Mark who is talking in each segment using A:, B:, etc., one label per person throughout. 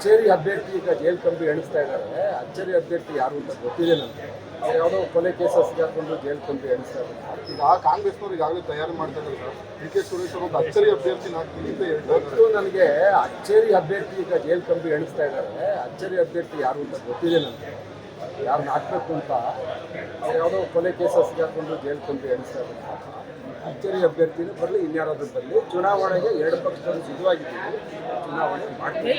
A: ಅಚ್ಚೇರಿ ಅಭ್ಯರ್ಥಿ ಈಗ ಜೈಲ್ ಕಂಬಿ ಎಣಿಸ್ತಾ ಇದ್ದಾರೆ. ಅಚ್ಚೇರಿ ಅಭ್ಯರ್ಥಿ ಯಾರು ಅಂತ ಗೊತ್ತಿದೆ ನನಗೆ. ಯಾವುದೋ ಕೊಲೆ ಕೇಸಸ್ ಹಾಕೊಂಡು ಜೈಲ್ ಕಂಬಿ ಎಣಿಸ್ತಾ ಇದ್ದಾರೆ.
B: ಈಗ ಕಾಂಗ್ರೆಸ್ನವ್ರು ಈಗಾಗಲೇ ತಯಾರಿ ಮಾಡ್ತಾ ಇದ್ದಾರೆ ಸರ್. ಡಿ ಕೆ ಸುರೇಶ್ ಅವರು ಒಂದು ಅಚ್ಚರಿ ಅಭ್ಯರ್ಥಿ ಹಾಕ್ತೀನಿ ಅಂತ
A: ಗೊತ್ತು ನನಗೆ. ಅಚ್ಚೇರಿ ಅಭ್ಯರ್ಥಿ ಈಗ ಜೈಲ್ ಕಂಬಿ ಎಣಿಸ್ತಾ ಇದ್ದಾರೆ. ಅಚ್ಚೇರಿ ಅಭ್ಯರ್ಥಿ ಯಾರು ಅಂತ ಗೊತ್ತಿದೆ ನನಗೆ. ಯಾರನ್ನ ಹಾಕ್ಬೇಕು ಅಂತ ಯಾವುದೋ ಕೊಲೆ ಕೇಸಸ್ ಹಾಕೊಂಡು ಜೈಲ್ ಕಂಬಿ ಎಣಿಸ್ತಾ ಇದ್ದಾರೆ. ಅಚ್ಚೇರಿ ಅಭ್ಯರ್ಥಿನೂ ಬರಲಿ, ಇನ್ಯಾರಾದ್ರೂ ಬರಲಿ. ಚುನಾವಣೆಗೆ ಎರಡು ಪಕ್ಷದವರು ಸಿದ್ಧವಾಗಿದ್ದೀವಿ. ಚುನಾವಣೆ ಮಾಡ್ತೀವಿ.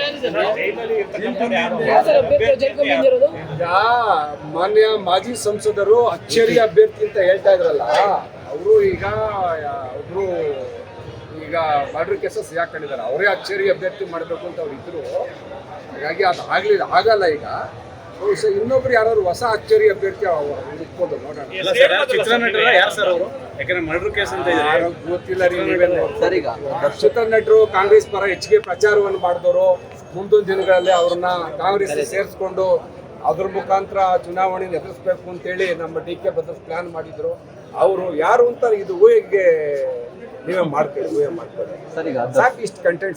A: ಈಗ ಮಾನ್ಯ ಮಾಜಿ ಸಂಸದರು ಅಚ್ಚೇರಿ ಅಭ್ಯರ್ಥಿ ಅಂತ ಹೇಳ್ತಾ ಇದ್ರಲ್ಲ, ಅವರು ಈಗ ಒಬ್ರು ಈಗ ಮರ್ಡರ್ ಕೇಸಸ್ ಹಾಕೊಂಡಿದ್ದಾರೆ. ಅವರೇ ಅಚ್ಚೇರಿ ಅಭ್ಯರ್ಥಿ ಮಾಡಬೇಕು ಅಂತ ಅವ್ರು ಇದ್ರು. ಹಾಗಾಗಿ ಅದು ಆಗಲ್ಲ. ಈಗ ಇನ್ನೊಬ್ರು ಯಾರು ಹೊಸ ಅಚ್ಚೇರಿ ಅಭ್ಯರ್ಥಿ ಹುಡುಕ್ಬೋದು, ನೋಡೋಣ.
C: ಚಿತ್ರನಟರ ಯಾರು ಸರ್ ಅವರು? ಯಾಕಂದ್ರೆ ಮರ್ಡರ್ ಕೇಸ್ ಅಂತ
A: ಗೊತ್ತಿಲ್ಲ ರೀ. ಚಿತ್ರನಟರು ಕಾಂಗ್ರೆಸ್ ಪರ ಹೆಚ್ಚಿಗೆ ಪ್ರಚಾರವನ್ನು ಮಾಡಿದವರು. ಮುಂದಿನ ದಿನಗಳಲ್ಲಿ ಅವ್ರನ್ನ ಕಾಂಗ್ರೆಸ್ ಸೇರಿಸ್ಕೊಂಡು ಅದ್ರ ಮುಖಾಂತರ ಚುನಾವಣೆ ಎದುರಿಸ್ಬೇಕು ಅಂತೇಳಿ ನಮ್ಮ ಡಿ ಕೆ ಭದ್ರಸ್ ಪ್ಲಾನ್ ಮಾಡಿದ್ರು. ಅವರು ಯಾರು ಅಂತ ಇದು ಊಹೆಗೆ ನೀವೇ ಊಹೆ ಮಾಡ್ಕೊಳ್ಳಿ. ಸಾಕು ಇಷ್ಟು ಕಂಟೆಂಟ್.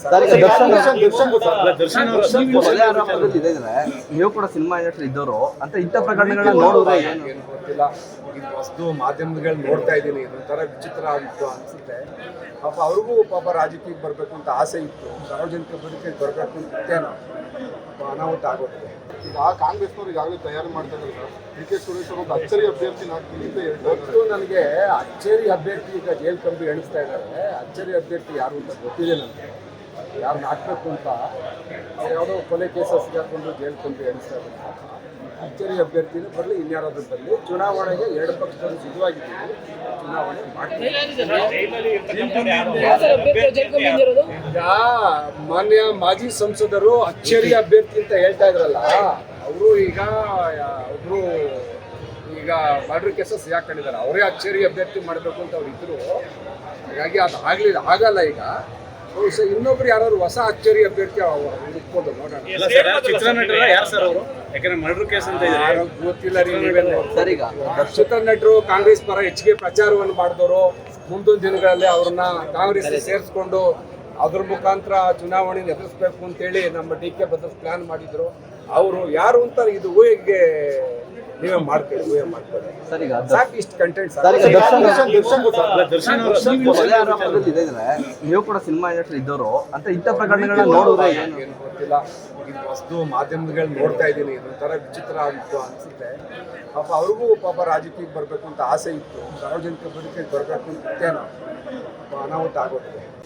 D: ನೀವು ಕೂಡ ಸಿನಿಮಾ ಇಂಡಸ್ಟ್ರಿ ಇದ್ದವರು ಅಂತ ಇಂಥ ಪ್ರಕರಣಗಳನ್ನ ನೋಡಿದ್ರೆ
A: ಏನು ಗೊತ್ತಿಲ್ಲ. ಇದು ಹೊಸದು ಮಾಧ್ಯಮಗಳು ನೋಡ್ತಾ ಇದ್ದೀನಿ. ಇದೊಂಥರ ವಿಚಿತ್ರ ಆಗಿತ್ತು ಅನಿಸುತ್ತೆ. ಅವ್ರಿಗೂ ರಾಜಕೀಯಕ್ಕೆ ಬರಬೇಕು ಅಂತ ಆಸೆ ಇತ್ತು. ಸಾರ್ವಜನಿಕ ಬದುಕಿಗೆ ಬರಬೇಕು ಅಂತ ಇತ್ತೇನೋ ಅನಾಹುತ ಆಗೋದು.
B: ಈಗ ಕಾಂಗ್ರೆಸ್ನವ್ರು ಈಗಾಗಲೇ ತಯಾರಿ ಮಾಡ್ತಾ ಇದ್ದಾರೆ ಸರ್. ಡಿ ಕೆ ಸುರೇಶ್ ಅವರು ಒಂದು ಅಚ್ಚರಿ ಅಭ್ಯರ್ಥಿ ಹಾಕ್ತೀನಿ ಅಂತ
A: ಗೊತ್ತು ನನಗೆ. ಅಚ್ಚೇರಿ ಅಭ್ಯರ್ಥಿ ಈಗ ಜೈಲ್ ಕಂಬಿ ಎಣಿಸ್ತಾ ಇದ್ದಾರೆ. ಅಚ್ಚೇರಿ ಅಭ್ಯರ್ಥಿ ಯಾರು ಅಂತ ಗೊತ್ತಿದೆ ನನಗೆ. ಯಾರನ್ನ ಹಾಕ್ಬೇಕು ಅಂತ ಯಾವುದೋ ಕೊಲೆ ಕೇಸಸ್ ಹಾಕೊಂಡು ಜೈಲ್ ಕಂಬಿ ಎಣಿಸ್ತಾ ಇದ್ದಾರೆ. ಅಚ್ಚೇರಿ ಅಭ್ಯರ್ಥಿನೂ ಬರಲಿ, ಇನ್ಯಾರಾದ್ರೂ ಬರಲಿ. ಚುನಾವಣೆಗೆ ಎರಡು ಪಕ್ಷದವರು ಸಿದ್ಧವಾಗಿದ್ದೀವಿ. ಚುನಾವಣೆ ಮಾಡ್ತೀವಿ. ಈಗ ಮಾನ್ಯ ಮಾಜಿ ಸಂಸದರು ಅಚ್ಚೇರಿ ಅಭ್ಯರ್ಥಿ ಅಂತ ಹೇಳ್ತಾ ಇದ್ರಲ್ಲ, ಅವರು ಈಗ ಒಬ್ರು ಈಗ ಮರ್ಡರ್ ಕೇಸಸ್ ಹಾಕೊಂಡಿದ್ದಾರೆ. ಅವರೇ ಅಚ್ಚೇರಿ ಅಭ್ಯರ್ಥಿ ಮಾಡಬೇಕು ಅಂತ ಅವ್ರು ಇದ್ರು. ಹಾಗಾಗಿ ಅದು ಆಗಲ್ಲ. ಈಗ ಇನ್ನೊಬ್ರು ಯಾರು ಹೊಸ ಅಚ್ಚೇರಿ ಅಭ್ಯರ್ಥಿ ಹುಡುಕ್ಬೋದು, ನೋಡೋಣ.
C: ಚಿತ್ರನಟರ ಯಾರು ಸರ್ ಅವರು? ಯಾಕಂದ್ರೆ ಮರ್ಡರ್ ಕೇಸ್ ಅಂತ
A: ಗೊತ್ತಿಲ್ಲ ರೀ. ಚಿತ್ರನಟರು ಕಾಂಗ್ರೆಸ್ ಪರ ಹೆಚ್ಚಿಗೆ ಪ್ರಚಾರವನ್ನು ಮಾಡಿದವರು. ಮುಂದಿನ ದಿನಗಳಲ್ಲಿ ಅವ್ರನ್ನ ಕಾಂಗ್ರೆಸ್ ಸೇರಿಸ್ಕೊಂಡು ಅದ್ರ ಮುಖಾಂತರ ಚುನಾವಣೆ ಎದುರಿಸ್ಬೇಕು ಅಂತೇಳಿ ನಮ್ಮ ಡಿ ಕೆ ಭದ್ರಸ್ ಪ್ಲಾನ್ ಮಾಡಿದ್ರು. ಅವರು ಯಾರು ಅಂತ ಇದು ಊಹೆಗೆ ನೀವೇ ಊಹೆ ಮಾಡ್ಕೊಳ್ಳಿ. ಸಾಕು ಇಷ್ಟು ಕಂಟೆಂಟ್.
D: ನೀವು ಕೂಡ ಸಿನಿಮಾ ಇಂಡಸ್ಟ್ರಿ ಇದ್ದವರು ಅಂತ ಇಂಥ ಪ್ರಕರಣಗಳನ್ನ ನೋಡಿದ್ರೆ
A: ಏನು ಗೊತ್ತಿಲ್ಲ. ಇದು ಹೊಸದು ಮಾಧ್ಯಮಗಳು ನೋಡ್ತಾ ಇದ್ದೀನಿ. ಇದೊಂಥರ ವಿಚಿತ್ರ ಆಗಿತ್ತು ಅನಿಸುತ್ತೆ. ಅವ್ರಿಗೂ ರಾಜಕೀಯಕ್ಕೆ ಬರಬೇಕು ಅಂತ ಆಸೆ ಇತ್ತು. ಸಾರ್ವಜನಿಕ ಬದುಕಿಗೆ ಬರಬೇಕು ಅಂತ ಇತ್ತೇನೋ ಅನಾಹುತ ಆಗೋದು.